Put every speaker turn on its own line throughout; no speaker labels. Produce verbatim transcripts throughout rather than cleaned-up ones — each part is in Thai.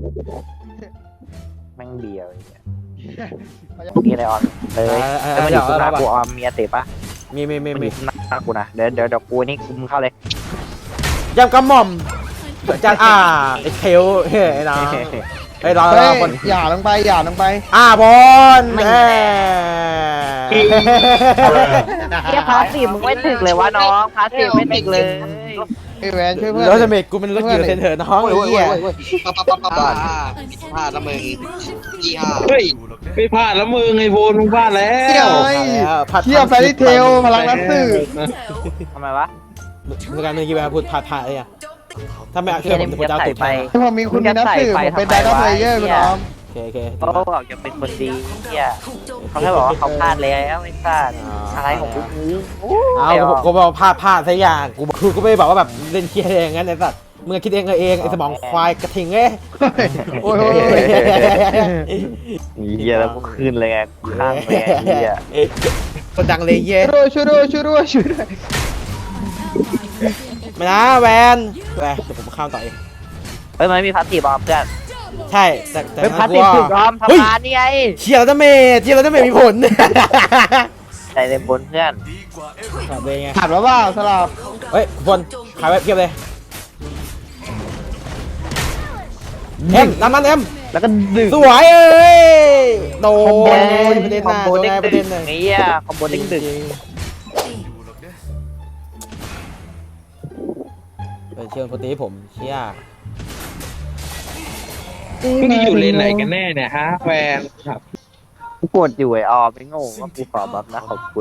แม่งเบียร์อะไรเงี้ยมีอะไรออนเลยแล้วมันอยู่ข้างหน้ากูออมเมียเตะปะ
มีมีมี
มันอ
มี
ยู่ข้างหน้ากูนะเดี๋ยวเดี๋ยวเดี๋ยวกูนี่กูมึงเข้าเลย
ยำกระหม่อมจัดอ่าไอ้เทลเฮ้ยไอ้น้องไอ้รอร
เฮ้
อย บน
อย่าลงไปอย่าลงไป
อ่าบอลแม่
เฮียพาสซีฟมึงไม่ถึกเลยวะน้องพาสซีฟไม่ถึกเลย
ไอ้แวนช่วยเพื่อน
รถจะเมกกูเป็นรถเกียร์เซนเตอร์น้องไอ้เหี้ย
ปั๊บปั๊บปั๊บปั๊บปั๊บพลาดแล้วมึงยี่ห้า
เฮ้ยไม่พลาดแล้วมึงไอ้โบนมึงพลาดแล้
เฮ้ยว เที่ยวแฟรี่เทลพลังนักสืบ
ทำไมวะ
ในการเมื่อกี้แบบพูดผ่าผ่าอะไรอ่ะถ้าไม่เอาเชื่อผมจะเอาตูดไป
พอมีคุณมีนักสืบผมเป็นไดร์เพลเยอร์คุณน้อง
โอเคโอเค
เขาบอกจะเป็นคนดีเฮียเขาแค่บอกว่าเขาพลาดแล้วไม่พลาดอะไรของกูกู
เอากูบอกพลาดพลาดสักอย่างกูคือกูไม่ได้บอกว่าแบบเล่นเคียร์อย่างนั้นไอ้สัตว์มึงคิดเองเองไอ้สมองควายกระทิงเอ้ย
โอ้ย
เฮียแล้วกูขึ้นเลยไงกูข้างเลยเฮีย
คนดังเลยเย่
ช่วยด้วยช่วยด้วยช่วยด้วย
มานะแวนแวนเดี๋ยวผมข้ามต่อเอง
เฮ้ยมันมีพาสซีฟบอมเพื่อน
ใช่แต่แต่
เป็นพาสซีฟถึกบอมทำงานนี่ไง
เชียร์แล้วจะเมย์เชียร์แล้วจะเมย์มีผล
ใจเต็มบนเพื่อน
ขาดเลยไง
ขาดแล้วว่าสลับ
เฮ้ยบนขายไว้เพียบเลยเอ็มน้ำมันเอ็ม
แล้วก็ดึง
สวยเอ้ยโดนประเด็น
คอ
น่ะ
มโบ
โดน
เด้ง
ไงประ
ดึ
เด็น
ง
น่ะ
นี่อ่ะคอมโบเด้งดึง
เป็นเชิญโปรตีผมเชียร์
มึงอยู่เลนไหนกันแน่เนี่ยฮะแฟนครับ
กูกดอยู่ไอ้ออมไม่งงว่ากูขอบัฟนะขอบคุณ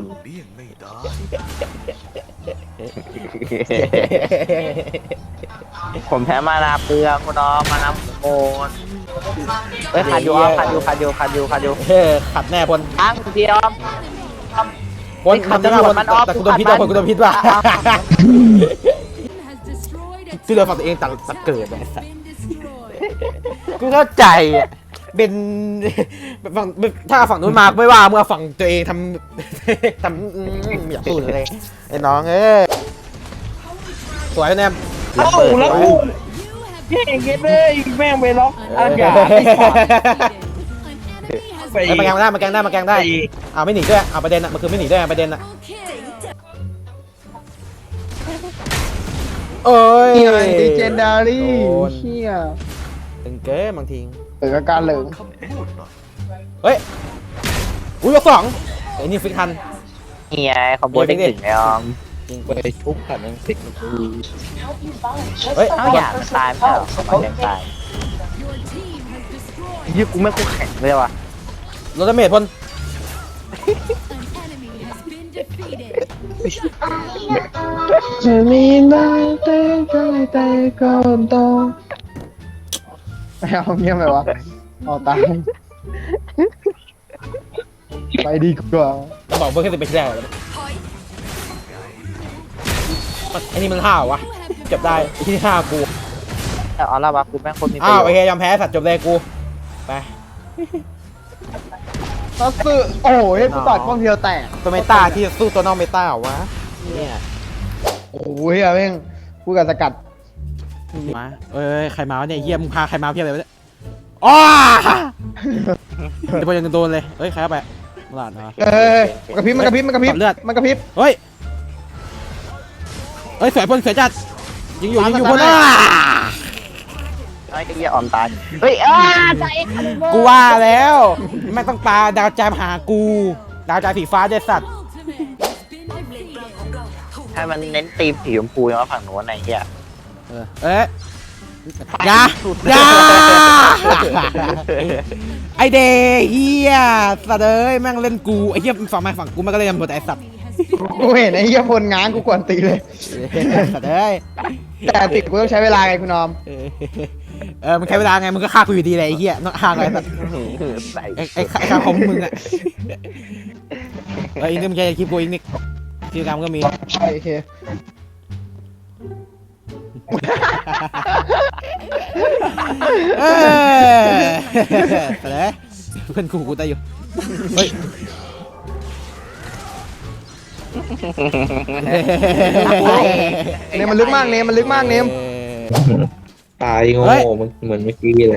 ผมแพ้มานาเปลืองคุณน้องมานาโมนเฮ้ยขาดอยู่ออมขาดอยู่ขาดอยู่ขาดอยู่ขาดอยู่
เฮ้ยขัดแน่พล
ทั้งเดียว
พลทำจะฆ่าพลแต่กูโดนพิษว่ะพลกูโดนพิษว่ะคือเราฝั่งตัวเองตัดตัดเกิดไอ้สัสกูเข้าใจอ่ะเป็นฝั่งถ้าฝั่งนู้นมาไม่ว่าเมื่อฝั่งตัวเองทำทำอยากพูดเลยไอ้น้องเอ้ยสวยแนม
เอ้าแล้วกูเก่งเกินเลยแม่งไปล็อกอะไรอย่างไป
ไอ้มาแกงได้มาแกงได้มาแกงได้เอาไม่หนีด้วยเอาประเด็นอ่ะมันคือไม่หนีด้วยประเด็นอ่ะโอ้ย
นี่ไงดีเจนดารี่เชี่ย
ตึงเก้บางที
เปิดอาการเหลิง
เฮ้ยอุ้ยยกสองไอ้นี่ฟิกทัน
นี่ไงคอมโบเด้งดึงไอ้ออม
ยิง
ไปทุบขันนั่งติด
เฮ้ย
เอ้าอย่ามันตายไม่ใช่เหรอมันยังตายยี่กูไม่คู่แข่งเลยว่ะ
โรดเมทพล
จะมีได้แต่ก็แต่ก็ต้องไม่เอาเงี้ยไหมวะเอาตายไปดีกว่า
จะบอกเพื่อนแค่สิบเป็นแรกไอ้นี่มันห้าวะจบได้ไอ้ที่ห้ากู
แต่ออร่าวะกูแม่งคนมีประ
อ้าว
โย
โอ
ช
เค
น์
ยอมแพ้สัตว์จบเลยกูไป
ซัสซึโอ้ยกูตัดกล้องเทียวแตก
ตัวเมตาที่จะสู้ตัวนอกเมตาวะเนี่ย
โอ้ยอะแม่งกูกับสกัด
มาเอ้ยใครมาวะเนี่ยเยี่ยมพาใครมาเพียบเลยวะเนี่ยอ้าจะไปยังโดนเลยเฮ้ยใครเข้าไปมาหลาดนะ
เอ้ยมันกระพริบมันกระพริบมันกระพริบ
เลือด
มันกระพริบ
เฮ้ยเฮ้ยสวยพลสวยจัดยิงอยู่ยิงอยู่พลอ่ะ
ไอ้เหี้ยออมตายเฮ้ยอ้าใจ
กูว่าแล้วไม่ต้องปาดาวใจมาหากูดาวใจสีฟ้าเด็ดสัตว์
ให้มันเน้นตีมสีชมพูยังว่าฝั่งโน้นไอ้เหี้ย
เออเอ๊ะยา ยาไอเดเฮียสัตว์เอ้ยแม่งเล่นกูไอเฮียฝั่งมาฝั่งกูมันก็เล่นหมดไอสัตว์
กูเห็นไอ้เหี้ยพลง้างกูกวนตีเลย
สัตว์เอ้ย
แต่ติดกูต้องใช้เวลาไงคุณนอม
เออเออมันใช้เวลาไงมึงก็ฆ่ากูอยู่ดีเลยไอเฮียนอกห่างไอสัตว์
ใส่
ไอไอข้าของมึงอะเอออีกนิดมึงจะคลิปกูอีกนิดทีกรรมก็มี
โอเค
เออสัตว์เอ้ยเพื่อนกูกูตายอยู่เฮ้ย
เนมมันลึกมากเนมมันลึกมากเนม
ตายโง่มันเหมือนเมื่อกี้เลย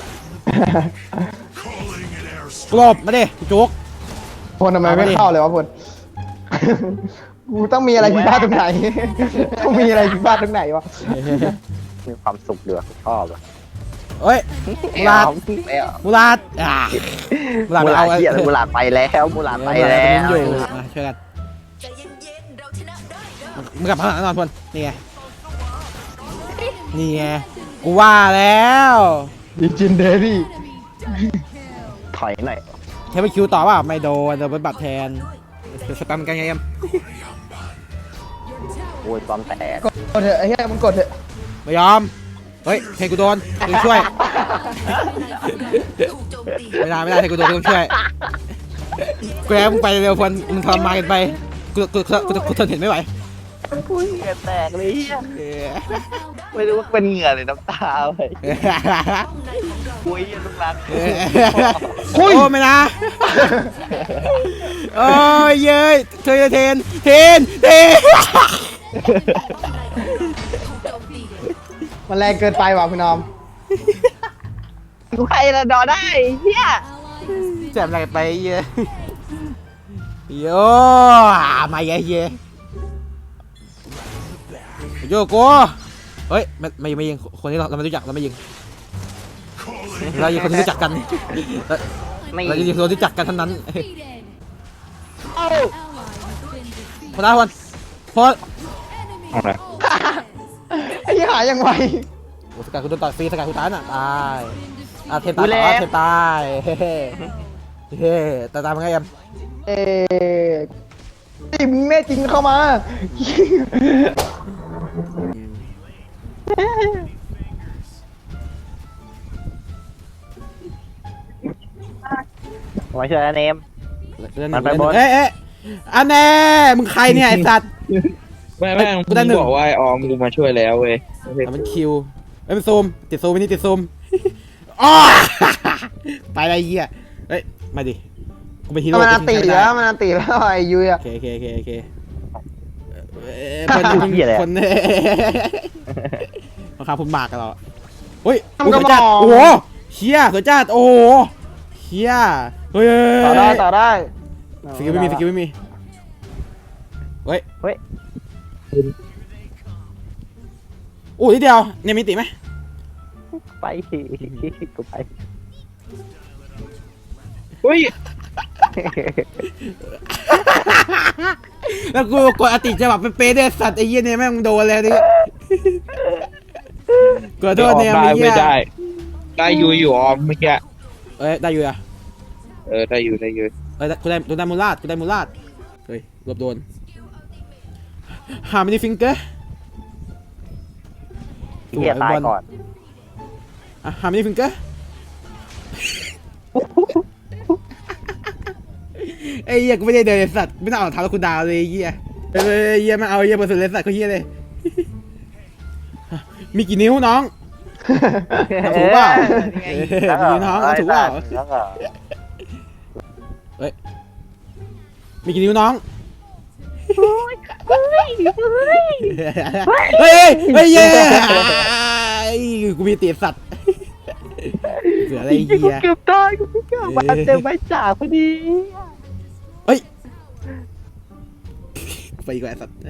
กลบมาดิจุก
พลทำไมไม่เข้าเลยวะพล กูต้องมีอะไรผิดพลาดตรงไหน ต้องมีอะไรผิดพลาดตรงไหนวะ
มีความสุขเดือดชอบอ่ะ
เฮ้ยมูลาด
ไม่เอา
มูลาดอ่ามูลาด
มู
ไป
ลา
เอา
ดเหี้ยมูลาดไปแล้วมูลาดไปแล้ว
อยู่มาช่วยกันมึงกลับมาข้างหลังนอนพลนี่ไงนี่ไงกูว่าแล้ว
ดิจินเดรี่
ถอยหน่อย
แค่ไปคิวต่อว่าไม่โดนโดนบัตรแทนสแปมกันไงเอ็ม
โอ้ยความแตก
กดเถอะไอ้เหี้ยมึงกดเถอะ
ไม่ยอมเฮ้ยเทกูโดนกูช่วยไม่ได้ไม่ได้เทกูโดนกูต้องช่วยกูแล้วมึงไปเร็วพลมึงทรมานกันไปกูกูกูกูทนเห็นไม่ไหว
อุ้ยเหงื่อแตกเลยเหี้ย
เออ
ไม่รู้ว่าเป็นเหงื่อหรือน้ำตาเลยอุ้ยลูกรัก
โอ้ไม่นะโอ้ยเย้ยเธอจะเทนเทนเทน
มันแรงเกินไปว่ะคุณน้อม
กูใครละดอได้เฮีย
แจมอะไรไปเยอะโยมาเยอะเยอะโยโก้เฮ้ยไม่ไม่ไม่ยิงคนนี้เราเราไม่รู้จักเราไม่ยิงเรายิงคนที่รู้จักกัน
ไม่
เรายิงคนที่รู้จักกันเท่านั้นคนนั้นคนพอ
ไอ้เหี้ยหายยังไว
สกัดคุณโดนต่อยฟรีสกัดคุณตายน่ะตายอ่ะเทนตายต่อเทนตายเฮ้เฮ้แต่ตายมันไงเอ็ม
เอ๊ะไอ้มึงแน่จริงเข้ามา
มาช่วยเนม มันไปบน
เอ๊ะเอ๊ะอันแน่มึงใครเนี่ยไอ้สัตว์
แม่แม่ง
กูได้หนึ่ง
บอกว่าไอ้ออมกูมาช่วยแล้วเว้ย
แต่มันคิวเอ้ยมันซูมติดซูมไปนี่ติดซูมอ๋อไปอะไรเหี้ยเฮ้ยมาดิกูเป็นฮีโร่
มันอัน
กู
ตี
ทิ้งใคร
แล้ว
ได้
มันอันตีแล้วไอ้ยุ้ยอะ
โอเคโอเคโอเคโอเคเอ่อคนคนคนราคาพุ่มมากกันเราเฮ้ยโอ้สวยจัดโอ้โหเชี่ยสวยจัดโอ้โหเชี่ยเฮ้ย
ต่อได้ต่อได้
สกิลไม่มีสกิลไม่มีเฮ้ย
เฮ้ย
โอ้ยนิดเดียวเนี่ยมีติไหม
ไปกูไป
เฮ้ย
แล้วกูกดอติจะแบบเป็นเป๊ะเดสัตว์ไอ้เหี้ยเนี่ยแม่งโดนแล้วนี่กดโทษเนี่ย
ได้
ไอ้เหี้
ไม่
ย
ได้ ได้อยู่อยู่ออมเมื่อกี้
เอ้ยได้อยู่อะ
เออได้อยู่ได้อยู่
เอ้ยกูได้กูได้มูลาดกูได้มูลาดเฮ้ยรวบโดนหามินิฟิงเกอร์
เฮียตายก่อน
อ่ะหามินิฟิงเกอร์ไอ้เหี้ยกูไม่ได้เดินไอ้สัตว์ไม่ต้องเอาเท้าแล้วกูดาวเลยไอ้เหี้ยเอ้ยเหี้ยมาเอาเหี้ยบนสุดเลยสัตว์เขาเหี้ยเลยมีกี่นิ้วน้องถูกเปล่าเออมีน้องเอาถูกเปล่าเฮ้ยมีกี่นิ้วน้องเฮ้ยเฮ้ยเย้กูมีตีสัตว์เสืออะไรเหี้ย
เกือบตายกูเกือบมาเต็มใบจ่าพอดี
เฮ้ยไปอีกแล้วสัตว์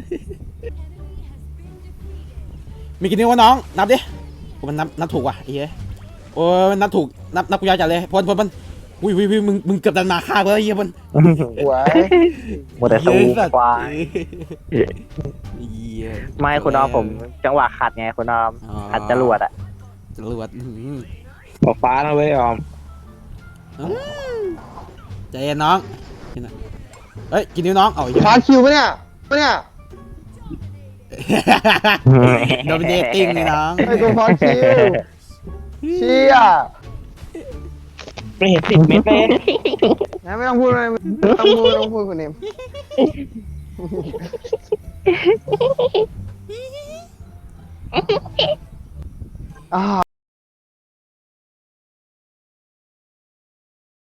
มีกี่นิ้ววะน้องนับดิมันนับนับถูกว่ะไอ้เหี้ยโอ้ยมันนับถูกนับนับกูยาวจัดเลยพลพลพลอุ้ยอุ้ยมึงมึงเกือบดันมาฆ่ากูแล้วไอ้เหี้ยพล
หวย
หมดแต่สู้ควาย
เหี้ย
ไม่คุณน้องผมจังหวะขัดไงคุณน้องขัดจรวดอ่ะ
จรวดอื้อหือ
ขอฟ้านะเว้ยออม
อืมใจเย็นน้องเฮ้ยกินนิ้วน้องเอาอย่า
พาคิวปะเนี่ยปะเนี่ย
โดมิเนติ้งเลยน้อง
ไอ้ตัวพาคิวเชี่ย
ไม่เห็นสิบเมตรเลย
นะไม่ต้องพูดเลยไม่ต้องพูดไม่ต้องพูดคุณเนมอ่า